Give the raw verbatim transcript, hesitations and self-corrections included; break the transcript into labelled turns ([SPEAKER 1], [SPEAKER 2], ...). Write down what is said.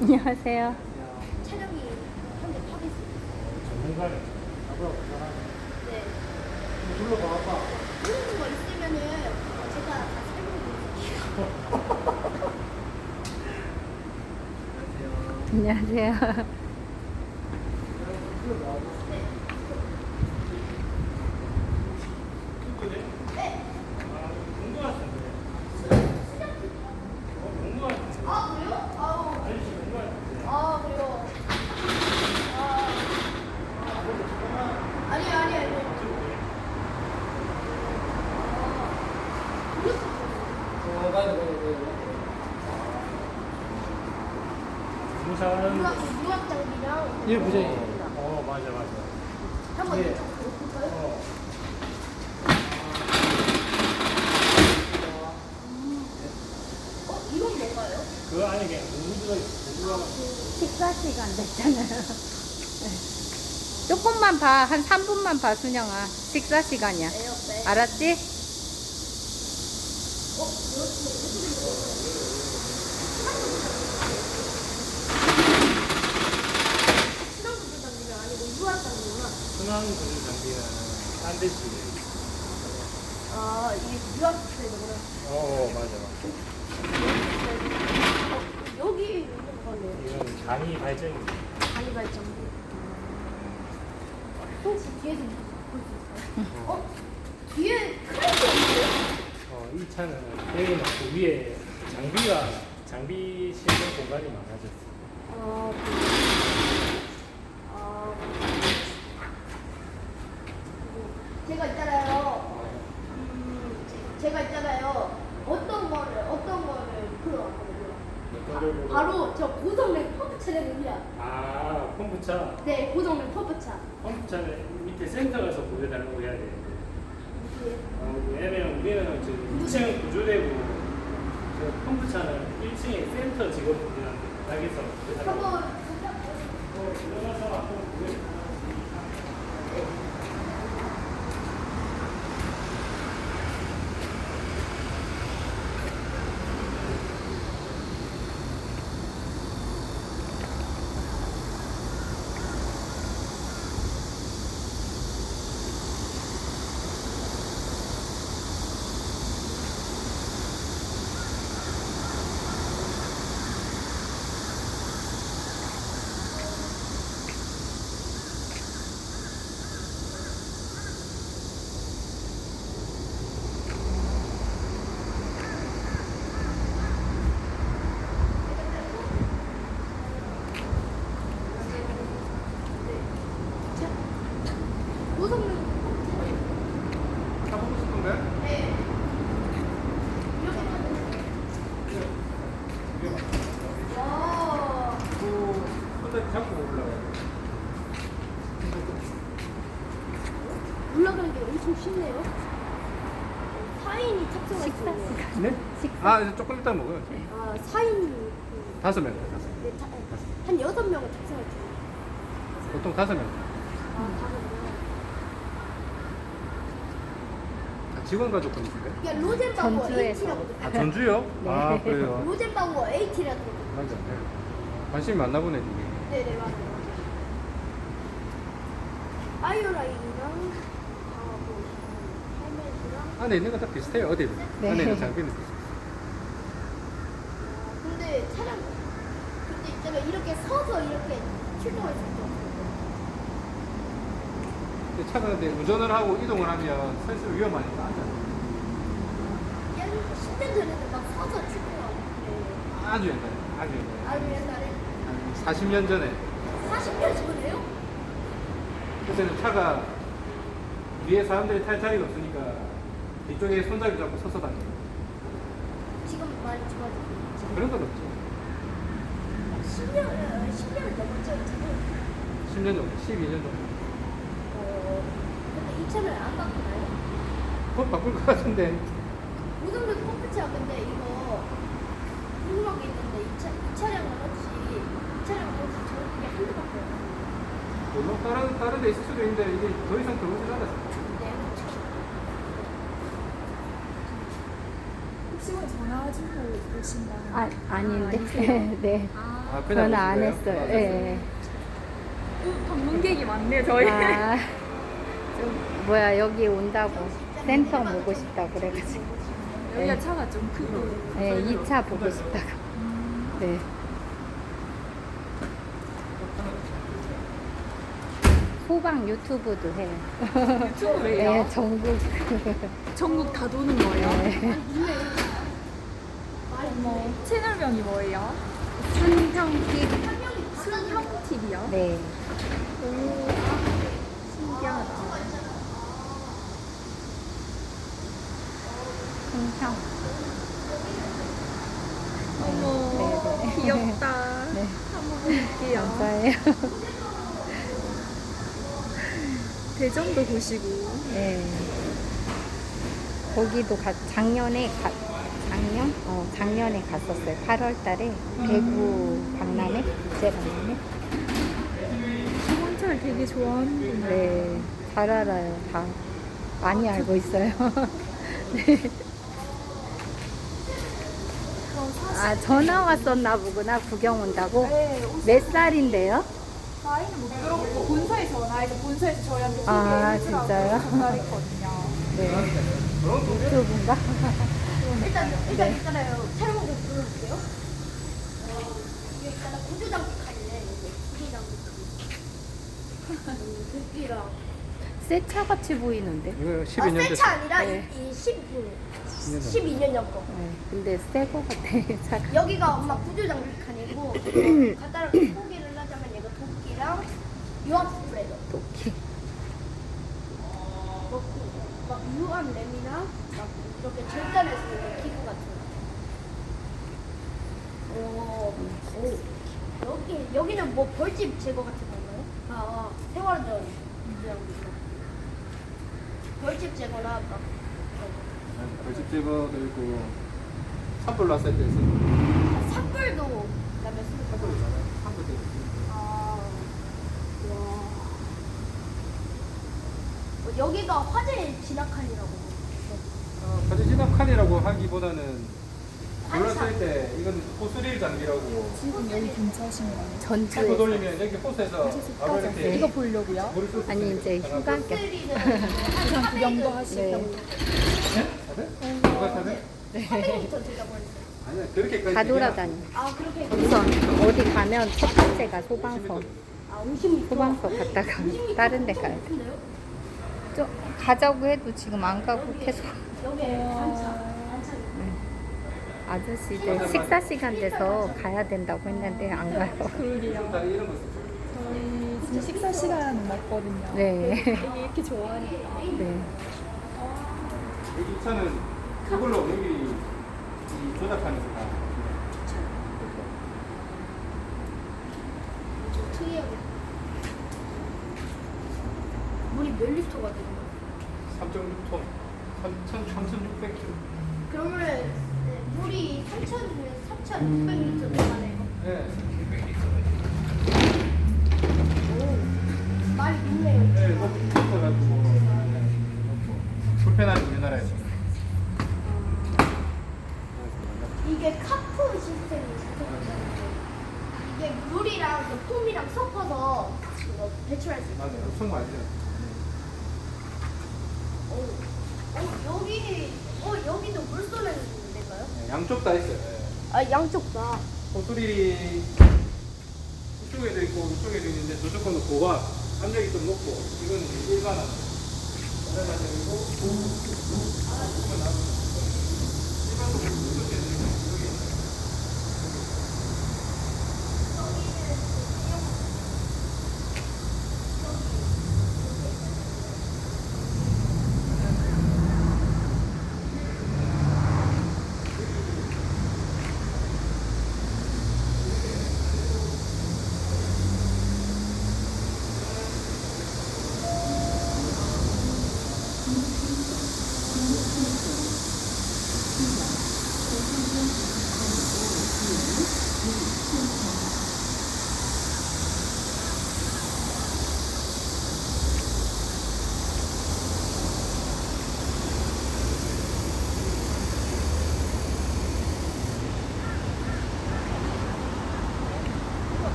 [SPEAKER 1] 안녕하세요.
[SPEAKER 2] 촬영이 현재 타고 있습니다.
[SPEAKER 3] 전문가네. 아빠가 전화하네.
[SPEAKER 2] 네.
[SPEAKER 3] 불러봐, 아빠.
[SPEAKER 2] 모르는 거 있으면은 제가 다 설명해 드릴게요.
[SPEAKER 1] 안녕하세요.
[SPEAKER 2] 네.
[SPEAKER 3] 아, 공부 같은데. 어, 공부 같은데.
[SPEAKER 2] 아 그래요? 아우.
[SPEAKER 3] 아저씨 공부 같은데.
[SPEAKER 2] 아 그래요. 아. 아니 아니 아니.
[SPEAKER 4] 어, 가야 돼, 가야 돼.
[SPEAKER 3] 부산.
[SPEAKER 2] 유학 유학 장비랑.
[SPEAKER 4] 예, 부장님.
[SPEAKER 3] 어, 맞아, 맞아.
[SPEAKER 2] 한번
[SPEAKER 4] 예.
[SPEAKER 2] 이쪽 볼까요?
[SPEAKER 3] 어.
[SPEAKER 2] 어 이건 뭔가요?
[SPEAKER 3] 그 안에 그냥 공부가 있어. 공부가
[SPEAKER 1] 식사 시간 됐잖아요. 네. 조금만 봐. 한 삼 분만 봐, 순영아. 식사 시간이야.
[SPEAKER 2] 에어백.
[SPEAKER 1] 알았지?
[SPEAKER 2] 어 이렇게 신혼부부 장비가 아니고 유학 장비구나.
[SPEAKER 3] 순환 공부 장비는 딴 데지.
[SPEAKER 2] 아 이게 유학 때문에.
[SPEAKER 3] 어, 맞아, 맞아.
[SPEAKER 2] 어, 여기 있는 거네요.
[SPEAKER 3] 이건 간이 발전이.
[SPEAKER 2] 간이 발전기. 혹시 뒤에서 볼 수 있어요? 어? 뒤에 크레이트 없어요?
[SPEAKER 3] 어, 이 차는 여기 놓고 위에 장비가, 장비 실는 공간이 많아졌어.
[SPEAKER 2] 아, 아, 제가 있잖아요. 음, 제- 제가 있잖아요. 어떤 거를 어떤 거를 풀어왔거든요.
[SPEAKER 3] 어떤 걸 보고?
[SPEAKER 2] 바로 저 고성능 펌프 차량입니다.
[SPEAKER 3] 아, 펌프차.
[SPEAKER 2] 네, 고성능 펌프차.
[SPEAKER 3] 컴퓨터는 밑에 센터 가서 보여달라고 해야 되는데.
[SPEAKER 2] 이게
[SPEAKER 3] 어, 왜냐면 우리는 지금 이 층 구조되고 저 컴퓨터는 일 층에 센터 직원분들한테 부탁해서 보여달라고.
[SPEAKER 2] 한번
[SPEAKER 3] 어, 들어가서 앞으로 보여달라고.
[SPEAKER 2] 고성능
[SPEAKER 4] 타보고 싶은데?
[SPEAKER 2] 네. 이렇게 하면 와.
[SPEAKER 4] 그, 근데 잡고 올라가요.
[SPEAKER 2] 올라가는 게 엄청 쉽네요. 사 인이 탑승할 수
[SPEAKER 1] 식사
[SPEAKER 2] 있네요.
[SPEAKER 1] 시간.
[SPEAKER 4] 네?
[SPEAKER 1] 식사.
[SPEAKER 4] 아, 이제 조금 이따 먹어요.
[SPEAKER 2] 아, 사 인이
[SPEAKER 4] 다섯 명, 다섯 명.
[SPEAKER 2] 네, 타, 한 여섯 명은 탑승할 수 있어요.
[SPEAKER 4] 보통 다섯 명.
[SPEAKER 2] 아, 다섯 명.
[SPEAKER 4] 아, 직원 가족분 있을까요?
[SPEAKER 2] 이게 로젠바우어
[SPEAKER 1] 전주에서.
[SPEAKER 2] 에이티라고
[SPEAKER 4] 아, 전주요?
[SPEAKER 1] 네.
[SPEAKER 4] 아, 그래요?
[SPEAKER 2] 로젠바우어 에이티라고 들었거든요.
[SPEAKER 4] 맞아. 네. 관심이 많나 보네, 이게.
[SPEAKER 2] 네네, 맞아요. 아이오라인이랑 아, 뭐, 헬멧이랑
[SPEAKER 4] 안에 있는 거 다 비슷해요, 어디든.
[SPEAKER 1] 네.
[SPEAKER 4] 안에 있는 장비는 비슷해요.
[SPEAKER 2] 근데 차량 근데 있잖아요. 이렇게 서서 이렇게 출동할 수 있죠.
[SPEAKER 4] 근데 차가 근데 운전을 하고 이동을 하면 사실 위험하니까 앉아요.
[SPEAKER 2] 옛 십 년 전에는 막 서서 출동하고 그래요.
[SPEAKER 4] 아주 옛날에, 아주 옛날에.
[SPEAKER 2] 아주 옛날에
[SPEAKER 4] 한 사십 년 전에.
[SPEAKER 2] 사십 년 전에요?
[SPEAKER 4] 그때는 차가 위에 사람들이 탈 자리가 없으니까 뒤쪽에 손잡이 잡고 서서 다니고
[SPEAKER 2] 지금 많이 좋아졌어요.
[SPEAKER 4] 그런 건 없죠.
[SPEAKER 2] 십 년, 십 년을 넘었죠, 이 차는.
[SPEAKER 4] 십 년 정도, 십이 년 정도.
[SPEAKER 2] 어, 근데 이 차는 안 바꾸나요?
[SPEAKER 4] 곧 바꿀 것 같은데.
[SPEAKER 2] 고성능 펌프차 근데 이거 궁금한 게 있는데 이, 차, 이 차량은 혹시 이 차량은 혹시 저렇게 한두 바퀴요?
[SPEAKER 4] 물론 다른 다른 데 있을 수도 있는데 이게 더 이상 들어오지 않았어요.
[SPEAKER 2] 네, 그렇죠.
[SPEAKER 5] 혹시 전화주고 오신다는
[SPEAKER 1] 아, 아닌데?
[SPEAKER 5] 아니세요?
[SPEAKER 1] 네.
[SPEAKER 5] 아,
[SPEAKER 4] 아, 그냥
[SPEAKER 1] 저는 안
[SPEAKER 4] 오신 거예요?
[SPEAKER 1] 했어요.
[SPEAKER 4] 아,
[SPEAKER 1] 예.
[SPEAKER 5] 방문객이 많네요, 저희.
[SPEAKER 1] 아, 좀 뭐야 여기 온다고 센터 보고 싶다 그래가지고.
[SPEAKER 5] 여기가
[SPEAKER 1] 네.
[SPEAKER 5] 차가 좀 크고.
[SPEAKER 1] 네, 이 차 보고 싶다고. 네. 소방 유튜브도 해요.
[SPEAKER 5] 유튜브예요?
[SPEAKER 1] 네, 전국.
[SPEAKER 5] 전국 다 도는 거예요?
[SPEAKER 1] 네.
[SPEAKER 5] 어머, 채널명이 뭐예요?
[SPEAKER 1] 순형기.
[SPEAKER 5] 순형 티비요?
[SPEAKER 1] 네.
[SPEAKER 5] 오, 신기하다.
[SPEAKER 1] 순형.
[SPEAKER 5] 어머,
[SPEAKER 1] 네, 네.
[SPEAKER 5] 귀엽다.
[SPEAKER 1] 네.
[SPEAKER 5] 한번 볼게요.
[SPEAKER 1] 감사해요.
[SPEAKER 5] 대전도 보시고.
[SPEAKER 1] 네. 거기도 가, 작년에 가, 작년? 어, 작년에 갔었어요. 팔월 달에 대구 박람회? 국제 박람회?
[SPEAKER 5] 기본차를 되게 좋아하는군요.
[SPEAKER 1] 네. 잘 알아요. 다 많이 알고 있어요. 네.
[SPEAKER 5] 그럼 사실
[SPEAKER 1] 아, 전화 왔었나 보구나. 구경 온다고?
[SPEAKER 5] 네,
[SPEAKER 1] 몇 살인데요?
[SPEAKER 5] 나이는 못 들어보고 본사에 전화해서 본사에서 저희한테
[SPEAKER 1] 아,
[SPEAKER 5] 소개해주라고
[SPEAKER 1] 진짜요?
[SPEAKER 5] 전화했거든요.
[SPEAKER 1] 네. 유튜브인가?
[SPEAKER 2] 일단 일단 있잖아요. 새로운 거 불러볼게요. 어, 이게 있잖아 구조장비 칸이네. 여기 구조장비. 듣기랑.
[SPEAKER 1] 새 차 같이 보이는데?
[SPEAKER 4] 이거
[SPEAKER 2] 아,
[SPEAKER 4] 십이 년
[SPEAKER 2] 새차 아니라
[SPEAKER 1] 네.
[SPEAKER 2] 이, 이 십이
[SPEAKER 4] 년
[SPEAKER 2] 십이 년 전 거.
[SPEAKER 1] 네. 근데 새 거 같아. 차가.
[SPEAKER 2] 여기가 엄마 구조장비 칸이고 어, 간단하게 소개를 하자면 얘가 도끼랑 유압 스프레더.
[SPEAKER 1] 도끼.
[SPEAKER 2] 뭐, 막 유압 램이나 막 이렇게 절단할 수 있는 기구 같은 거. 오, 오. 여기 여기는 뭐 벌집 제거 같은 건가요? 아, 아 세월전 그냥 벌집 제거나 막
[SPEAKER 4] 벌집 제거도 있고 산불 났을 때 쓰는
[SPEAKER 2] 아, 산불도 그다음에 쓰는 거.
[SPEAKER 4] 산불 있잖아요. 산불 때 쓰는
[SPEAKER 2] 아, 와. 어, 여기가 화재 진압칸이라고.
[SPEAKER 4] 어, 가지 진압칸이라고 하기보다는 불났을 때 이건 호스릴 장비라고
[SPEAKER 5] 지금 여기 근처신가요?
[SPEAKER 4] 호스
[SPEAKER 1] 전주에.
[SPEAKER 4] 돌리면 여기 호스에서 바로 이렇게
[SPEAKER 1] 네.
[SPEAKER 5] 이거 보려고요?
[SPEAKER 4] 물을 쏠수
[SPEAKER 1] 아니,
[SPEAKER 4] 있으니까
[SPEAKER 1] 이제
[SPEAKER 4] 전화고.
[SPEAKER 1] 휴가.
[SPEAKER 2] 호스리는
[SPEAKER 5] 그냥 구경도 하시고.
[SPEAKER 1] 네.
[SPEAKER 4] 사대? 누가 사대?
[SPEAKER 2] 사백 미터 된다고 했어요.
[SPEAKER 4] 아니야 그렇게까지
[SPEAKER 1] 다
[SPEAKER 4] 얘기하면-
[SPEAKER 1] 돌아다녀.
[SPEAKER 2] 아, 그렇게.
[SPEAKER 1] 우선 어디 가면 첫 번째가 소방서.
[SPEAKER 2] 아, 오십 미터.
[SPEAKER 1] 소방서 갔다가 다른 데 가야 돼.
[SPEAKER 2] 큰데요?
[SPEAKER 1] 좀 가자고 해도 지금 안 가고 계속.
[SPEAKER 2] 여기 반차. 반차.
[SPEAKER 1] 아저씨들 식사 시간 돼서 가야 된다고 했는데 안 가요.
[SPEAKER 5] 그러게요.
[SPEAKER 4] 다리 이런 거 쓰죠.
[SPEAKER 5] 저희 지금 식사 시간 먹거든요.
[SPEAKER 1] 네.
[SPEAKER 5] 이게 이렇게 좋아하니까.
[SPEAKER 1] 네.
[SPEAKER 4] 여기 차는 그걸로 여기 이 조작하면서 다
[SPEAKER 2] 좀 특이하게. 물이 몇 리터가 되는 거예요?
[SPEAKER 4] 삼 점 육 톤 삼천육백 킬로그램.
[SPEAKER 2] 그러면은 물이 삼천육백 리터 들어가네요.
[SPEAKER 4] 네.
[SPEAKER 2] 오, 많이 있네요.
[SPEAKER 4] 네, 높이 붙어가지고 불편하죠 우리나라에서.
[SPEAKER 2] 이게 카프 시스템이 있어요. 이게 물이랑 그 폼이랑 섞어서 이거 배출할 수 있어요.
[SPEAKER 4] 맞아요. 엄청 많이 해요.
[SPEAKER 2] 오, 어, 여기, 어, 여기도 물 쏘는 데인가요?
[SPEAKER 4] 네, 양쪽 다 있어요. 네.
[SPEAKER 2] 아, 양쪽 다.
[SPEAKER 4] 호수리 이쪽에도 있고 이쪽에도 있는데 저쪽 거는 고압, 압력이 좀 높고 이건 일반압. 일반압이고